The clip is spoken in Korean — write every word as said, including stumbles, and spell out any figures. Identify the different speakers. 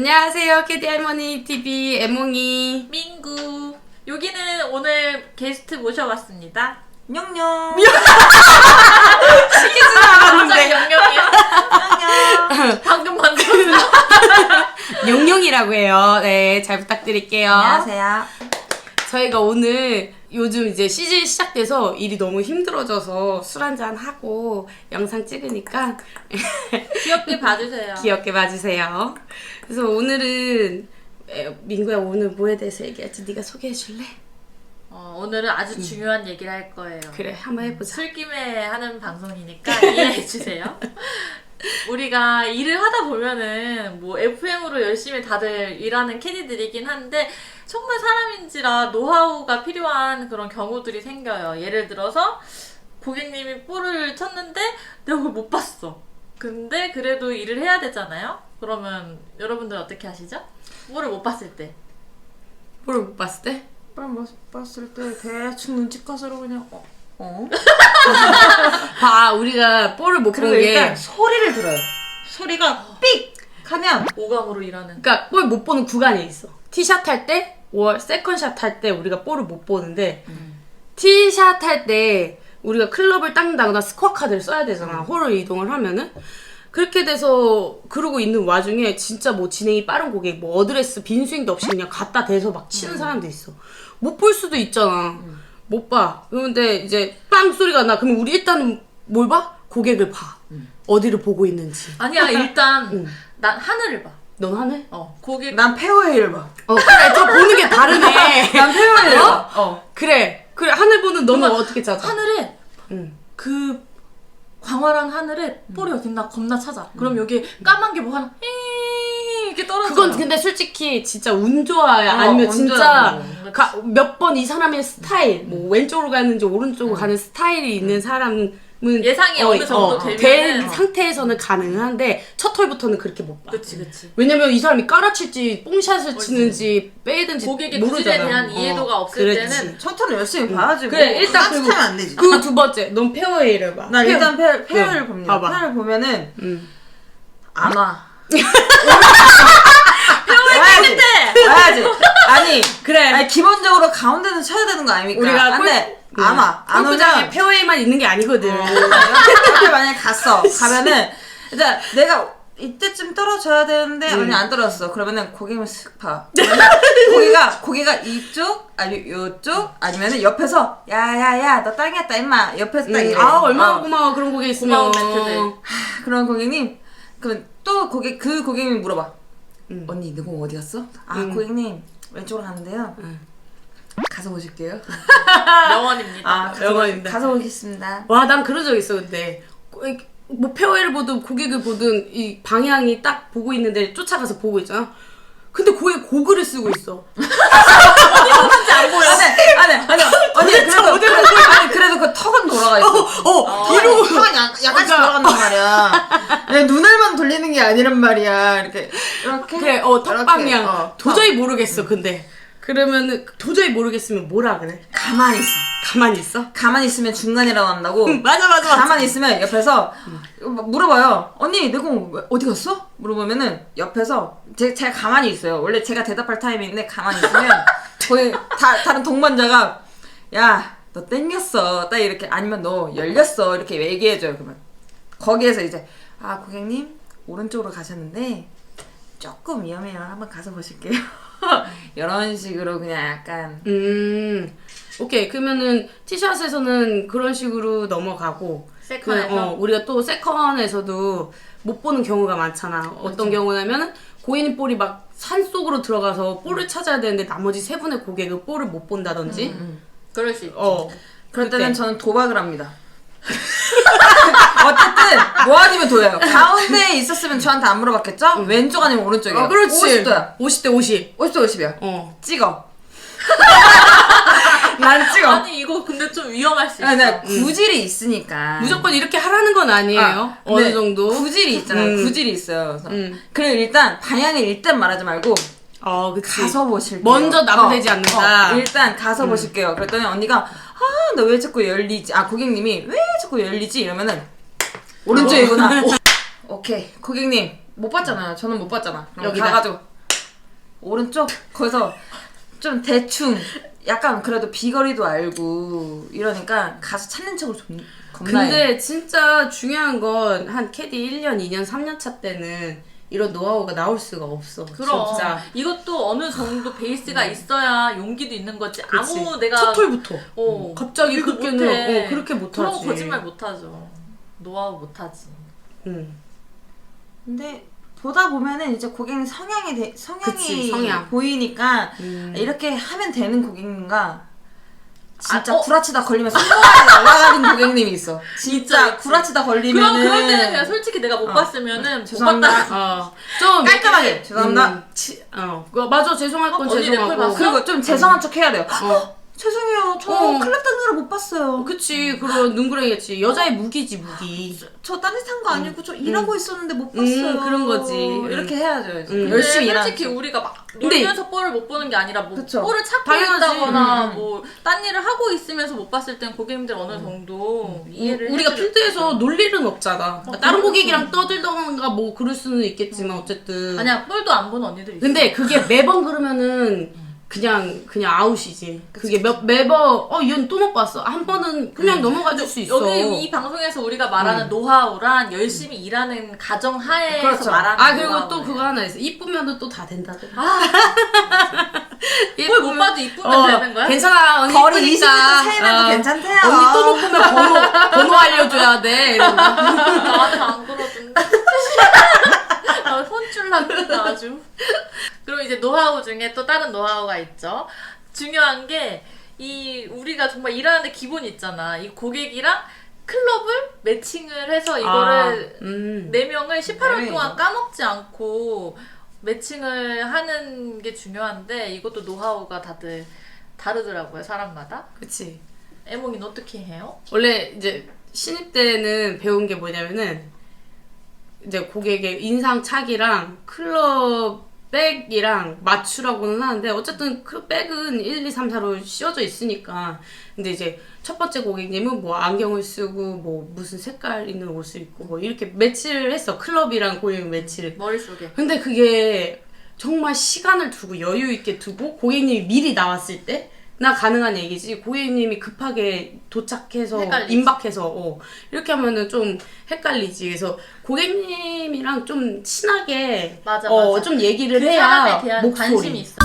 Speaker 1: 안녕하세요. 캐디 할머니 티비 애몽이
Speaker 2: 민구. 여기는 오늘 게스트 모셔봤습니다.
Speaker 3: 냥냥.
Speaker 1: 시키지 않았는데
Speaker 2: 영영이야.
Speaker 3: 냥냥.
Speaker 2: 방금 만들었어.
Speaker 1: 용용이라고 해요. 네, 잘 부탁드릴게요.
Speaker 3: 안녕하세요.
Speaker 1: 저희가 오늘 요즘 이제 시즌 시작돼서 일이 너무 힘들어져서 술 한잔 하고 영상 찍으니까
Speaker 2: 귀엽게 봐주세요.
Speaker 1: 귀엽게 봐주세요. 그래서 오늘은 에, 민구야 오늘 뭐에 대해서 얘기할지 네가 소개해 줄래?
Speaker 2: 어, 오늘은 아주 중요한 얘기를 할 거예요.
Speaker 1: 그래, 한번 해보자.
Speaker 2: 술김에 하는 방송이니까 이해해주세요. 우리가 일을 하다 보면은 뭐 에프엠으로 열심히 다들 일하는 캐디들이긴 한데 정말 사람인지라 노하우가 필요한 그런 경우들이 생겨요. 예를 들어서 고객님이 볼을 쳤는데 내가 그걸 못 봤어. 근데 그래도 일을 해야 되잖아요? 그러면 여러분들 어떻게 하시죠? 볼을 못 봤을 때.
Speaker 1: 볼을 못 봤을 때?
Speaker 3: 볼 봤을 때 대충 눈치껏으로 그냥 어? 어?
Speaker 1: 봐, 우리가 볼을 못 본
Speaker 3: 그리고
Speaker 1: 게
Speaker 3: 일단 소리를 들어요. 소리가 삑! 하면
Speaker 2: 오감으로 일하는.
Speaker 1: 그러니까 볼 못 보는 구간이 있어. 티샷 할 때, 월 세컨샷 할 때 우리가 볼을 못 보는데
Speaker 2: 음.
Speaker 1: 티샷 할 때 우리가 클럽을 닦는다거나 스코어 카드를 써야 되잖아.
Speaker 2: 음.
Speaker 1: 홀을 이동을 하면은 그렇게 돼서 그러고 있는 와중에 진짜 뭐 진행이 빠른 고객, 뭐 어드레스 빈 스윙도 없이 그냥 갖다 대서 막 치는
Speaker 2: 음.
Speaker 1: 사람도 있어. 못 볼 수도 있잖아.
Speaker 2: 음.
Speaker 1: 못 봐. 그런데 이제 빵 소리가 나. 그러면 우리 일단 뭘 봐? 고객을 봐.
Speaker 2: 음.
Speaker 1: 어디를 보고 있는지.
Speaker 2: 아니야, 일단
Speaker 1: 응.
Speaker 2: 난 하늘을 봐.
Speaker 1: 넌 하늘?
Speaker 2: 어, 고객.
Speaker 3: 난 페어웨이를 봐.
Speaker 1: 어, 그래. 저 보는 게 다르네.
Speaker 3: 난 페어웨이를
Speaker 1: 어?
Speaker 3: 봐. 어.
Speaker 1: 그래. 그래. 하늘 보는 너는
Speaker 2: 정말
Speaker 1: 어떻게 찾아?
Speaker 2: 하늘에
Speaker 1: 응.
Speaker 2: 그 광활한 하늘에 볼이 어딨나 겁나 찾아. 그럼 여기 까만 게 뭐 하나 히 이렇게 떨어져.
Speaker 1: 그건 근데 솔직히 진짜 운 좋아야.
Speaker 3: 어,
Speaker 1: 아니면
Speaker 3: 운
Speaker 1: 진짜
Speaker 3: 좋아야.
Speaker 1: 몇 번 이 사람의 스타일, 뭐 왼쪽으로 가는지 오른쪽으로 가는 스타일이 있는 사람은
Speaker 2: 예상이 어느 정도
Speaker 1: 된
Speaker 2: 되면은
Speaker 1: 상태에서는 가능한데 첫 홀부터는 그렇게 못 봐.
Speaker 2: 그치 그치.
Speaker 1: 왜냐면 이 사람이 깔아칠지 뽕샷을 치는지 빼든지
Speaker 2: 고객의
Speaker 1: 모르잖아.
Speaker 2: 기술에 대한 이해도가 없을
Speaker 1: 그렇지.
Speaker 2: 때는
Speaker 3: 첫 턴을 열심히 봐야지.
Speaker 1: 그래,
Speaker 3: 뭐.
Speaker 1: 일단
Speaker 3: 딴짓
Speaker 1: 그리고-
Speaker 3: 하면 안 되지.
Speaker 1: 그 두 번째, 넌 페어웨이를 봐.
Speaker 3: 난
Speaker 1: 페어-
Speaker 3: 일단 페어, 페어를
Speaker 1: 응,
Speaker 3: 봅니다.
Speaker 1: 봐봐.
Speaker 3: 페어를 보면은
Speaker 1: 음.
Speaker 3: 안 와. 페어웨이 끝에 와야지. 아니
Speaker 1: 그래.
Speaker 3: 아니 기본적으로 가운데는 쳐야 되는 거 아닙니까?
Speaker 1: 우리가
Speaker 3: 근데 안 와. 안
Speaker 1: 골프장에
Speaker 3: 오면
Speaker 1: 페어웨이만 있는 게 아니거든.
Speaker 3: 어, 옆에 만약에 갔어. 가면은 이제 내가 이때쯤 떨어져야 되는데
Speaker 1: 음.
Speaker 3: 아니 안 떨어졌어. 그러면은 고개를 슥 봐. 그러면 고개가 고개가 이쪽 아니 요쪽 아니면은 옆에서 야야야 너 땅이었다 임마. 옆에서 딱 이래.
Speaker 1: 아, 얼마나
Speaker 3: 어.
Speaker 1: 고마워 그런 고객 있으면.
Speaker 2: 고마운 멘트들.
Speaker 3: 하, 그런 고객님 그럼 또 고객 그 고객님이 물어봐.
Speaker 1: 음.
Speaker 3: 언니 너 공 어디 갔어? 아
Speaker 1: 음.
Speaker 3: 고객님 왼쪽으로 가는데요.
Speaker 1: 음.
Speaker 3: 가서 보실게요.
Speaker 2: 명언입니다.
Speaker 3: 아 가서,
Speaker 1: 영어인데.
Speaker 3: 가서 보겠습니다.
Speaker 1: 와, 난 그런 적 있어, 근데. 고- 뭐, 페어웨이를 보든 고객을 보든 이 방향이 딱 보고 있는데 쫓아가서 보고 있잖아? 근데 고객 고글을 쓰고 있어.
Speaker 3: 진짜 안 보여. 아니, 아니, 아니, 아니, 그래도, 그래, 아니, 그래도 그 턱은 돌아가 있어.
Speaker 1: 어, 뒤로.
Speaker 3: 턱은 약, 약간씩
Speaker 1: 그러니까.
Speaker 3: 돌아간단 말이야. 아니, 눈알만 돌리는 게 아니란 말이야. 이렇게, 이렇게.
Speaker 1: 그래, 어, 턱
Speaker 3: 이렇게,
Speaker 1: 방향.
Speaker 3: 어,
Speaker 1: 도저히 모르겠어, 근데. 그러면은, 도저히 모르겠으면 뭐라 그래?
Speaker 3: 가만히 있어.
Speaker 1: 가만히 있어?
Speaker 3: 가만히 있으면 중간이라고 한다고.
Speaker 1: 맞아, 맞아, 맞아.
Speaker 3: 가만히 있으면 옆에서 물어봐요. 언니, 내 공 어디 갔어? 물어보면은 옆에서 제, 제가 가만히 있어요. 원래 제가 대답할 타이밍인데 가만히 있으면 거기 다, 다른 동반자가 야, 너 땡겼어. 딱 이렇게 아니면 너 열렸어. 이렇게 얘기해줘요. 그러면 거기에서 이제 아, 고객님 오른쪽으로 가셨는데 조금 위험해요. 한번 가서 보실게요. 이런 식으로 그냥 약간
Speaker 1: 음, 오케이. 그러면은 티샷에서는 그런 식으로 넘어가고,
Speaker 2: 세컨에서?
Speaker 1: 그, 어, 우리가 또 세컨에서도 못 보는 경우가 많잖아. 어떤 경우냐면은 고인 볼이 막 산속으로 들어가서 볼을 찾아야 되는데 나머지 세 분의 고객은 볼을 못 본다든지.
Speaker 3: 음.
Speaker 2: 그럴 수 있지.
Speaker 1: 어.
Speaker 3: 그럴 때는
Speaker 1: 그때.
Speaker 3: 저는 도박을 합니다. 어쨌든 뭐 아니면 도예요. 가운데에 있었으면 저한테 안 물어봤겠죠? 왼쪽 아니면 오른쪽이에요.
Speaker 1: 어, 그렇지.
Speaker 3: 오십 도야.
Speaker 1: 오십 대 오십.
Speaker 3: 오십 대 오십이야.
Speaker 1: 어.
Speaker 3: 찍어. 난 찍어.
Speaker 2: 아니 이거 근데 좀 위험할 수 있어.
Speaker 3: 아니, 나 구질이 있으니까.
Speaker 1: 무조건 이렇게 하라는 건 아니에요.
Speaker 3: 아,
Speaker 1: 어느
Speaker 3: 근데
Speaker 1: 정도.
Speaker 3: 구질이 있잖아요.
Speaker 1: 음.
Speaker 3: 구질이 있어요. 그래서
Speaker 1: 음.
Speaker 3: 그래 일단 방향을 일단 말하지 말고
Speaker 1: 어, 그치.
Speaker 3: 가서 보실게요.
Speaker 1: 먼저 나부되지
Speaker 3: 어,
Speaker 1: 않는다.
Speaker 3: 어, 일단 가서 보실게요. 그랬더니 언니가 아, 너 왜 자꾸 열리지? 아, 고객님이 왜 자꾸 열리지? 이러면은 오른쪽이구나. 오, 오케이. 고객님 못 봤잖아요. 저는 못 봤잖아. 그럼
Speaker 1: 여기다.
Speaker 3: 가가지고 오른쪽 거기서 좀 대충 약간 그래도 비거리도 알고 이러니까 가서 찾는 척을 좀 겁나요.
Speaker 1: 근데 진짜 중요한 건 한 캐디 일 년, 이 년, 삼 년 차 때는 이런 노하우가 나올 수가 없어.
Speaker 2: 그럼
Speaker 1: 진짜.
Speaker 2: 이것도 어느 정도 베이스가 있어야 용기도 있는 거지.
Speaker 1: 그치.
Speaker 2: 아무 내가
Speaker 1: 첫 톨부터.
Speaker 2: 어,
Speaker 1: 갑자기
Speaker 2: 이거
Speaker 1: 그렇게는
Speaker 2: 못해.
Speaker 1: 어, 그렇게 못하지.
Speaker 2: 그런 거 거짓말 못하죠. 노하우 못하지.
Speaker 1: 응.
Speaker 3: 근데 보다 보면은 이제 고객님 성향이 되, 성향이
Speaker 1: 그치, 성향.
Speaker 3: 보이니까
Speaker 1: 음.
Speaker 3: 이렇게 하면 되는 고객님과 진짜
Speaker 2: 아, 어?
Speaker 3: 구라치다 걸리면 손모가지 날아가는 고객님이 있어. 진짜
Speaker 2: 있지, 있지.
Speaker 3: 구라치다
Speaker 2: 그럼
Speaker 3: 걸리면은
Speaker 2: 그럴 때는 그냥 솔직히 내가 못
Speaker 3: 어.
Speaker 2: 봤으면은 못
Speaker 3: 죄송합니다.
Speaker 2: 봤다.
Speaker 1: 어. 좀
Speaker 3: 깔끔하게
Speaker 1: 이렇게,
Speaker 3: 죄송합니다.
Speaker 1: 음, 치, 어. 그거 맞아. 죄송할 건
Speaker 2: 어, 언니 내 꼴
Speaker 1: 죄송하고.
Speaker 2: 봤어?
Speaker 3: 그리고 좀 죄송한 척 해야 돼요.
Speaker 1: 어.
Speaker 3: 죄송해요. 저
Speaker 1: 어.
Speaker 3: 클럽 다니느라 못 봤어요.
Speaker 1: 그치. 그런 눈구렁이겠지. 여자의 무기지, 무기.
Speaker 3: 저 딴짓한 거 아니고 저 일하고 있었는데 못 봤어요.
Speaker 1: 음, 그런 거지.
Speaker 3: 이렇게 해야죠. 이제.
Speaker 1: 음.
Speaker 3: 열심히
Speaker 2: 근데
Speaker 3: 일하는
Speaker 2: 솔직히
Speaker 3: 척.
Speaker 2: 우리가 막
Speaker 1: 근데-
Speaker 2: 놀면서 볼을 못 보는 게 아니라 뭐
Speaker 3: 그쵸.
Speaker 2: 볼을 찾고
Speaker 1: 당연하지.
Speaker 2: 있다거나
Speaker 3: 음.
Speaker 2: 뭐 딴 일을 하고 있으면서 못 봤을 땐 고객님들 어느 정도 이해를
Speaker 1: 우리가
Speaker 2: 해줄-
Speaker 1: 필드에서 놀 일은 없잖아.
Speaker 2: 어,
Speaker 1: 다른
Speaker 2: 그렇죠.
Speaker 1: 고객이랑 떠들던가 뭐 그럴 수는 있겠지만 어쨌든.
Speaker 2: 아니야 볼도 안 보는 언니들 있어.
Speaker 1: 근데 그게 매번 그러면은 그냥 그냥 아웃이지. 그게 몇 매번 어 얘는 또 못 봤어. 한 번은 그냥 넘어가 줄 수 있어.
Speaker 2: 여기 이 방송에서 우리가 말하는 노하우란 열심히 일하는 가정 하에서
Speaker 3: 그렇죠.
Speaker 2: 말하는
Speaker 1: 아 그리고
Speaker 2: 노하우예요.
Speaker 1: 또 그거 하나 있어. 이쁘면은 또 다 된다더라.
Speaker 2: 아, 뭘 못 봐도 이쁘면
Speaker 1: 어,
Speaker 2: 되는 거야?
Speaker 1: 괜찮아 언니
Speaker 3: 거리
Speaker 1: 이쁘니까.
Speaker 3: 이십 미터 차이라도
Speaker 1: 어,
Speaker 3: 괜찮대요.
Speaker 1: 언니 또 못 보면 번호 번호 알려줘야 돼. 이러고.
Speaker 2: 나한테 안 그러던데. 나 혼쭐 났다 아주. 그리고 이제 노하우 중에 또 다른 노하우가 있죠. 중요한 게 이 우리가 정말 일하는데 기본이 있잖아. 이 고객이랑 클럽을 매칭을 해서 이거를
Speaker 1: 아, 음.
Speaker 2: 네 명을 십팔 월
Speaker 3: 네.
Speaker 2: 동안 까먹지 않고 매칭을 하는 게 중요한데 이것도 노하우가 다들 다르더라고요, 사람마다.
Speaker 1: 그치.
Speaker 2: 애몽이는 어떻게 해요?
Speaker 1: 원래 이제 신입 때는 배운 게 뭐냐면은 이제 고객의 인상 차기랑 클럽 백이랑 맞추라고는 하는데 어쨌든 그 백은 일, 이, 삼, 사로 씌워져 있으니까. 근데 이제 첫 번째 고객님은 뭐 안경을 쓰고 뭐 무슨 색깔 있는 옷을 입고 뭐 이렇게 매치를 했어. 클럽이랑 고객 매치를.
Speaker 2: 머릿속에.
Speaker 1: 근데 그게 정말 시간을 두고 여유 있게 두고 고객님이 미리 나왔을 때 나 가능한 얘기지. 고객님이 급하게 도착해서
Speaker 2: 헷갈리지.
Speaker 1: 임박해서 어, 이렇게 하면은 좀 헷갈리지. 그래서 고객님이랑 좀 친하게
Speaker 2: 맞아,
Speaker 1: 어,
Speaker 2: 맞아.
Speaker 1: 좀 얘기를
Speaker 2: 그
Speaker 1: 해야
Speaker 2: 사람에 대한
Speaker 1: 목소리.
Speaker 2: 관심이 있어.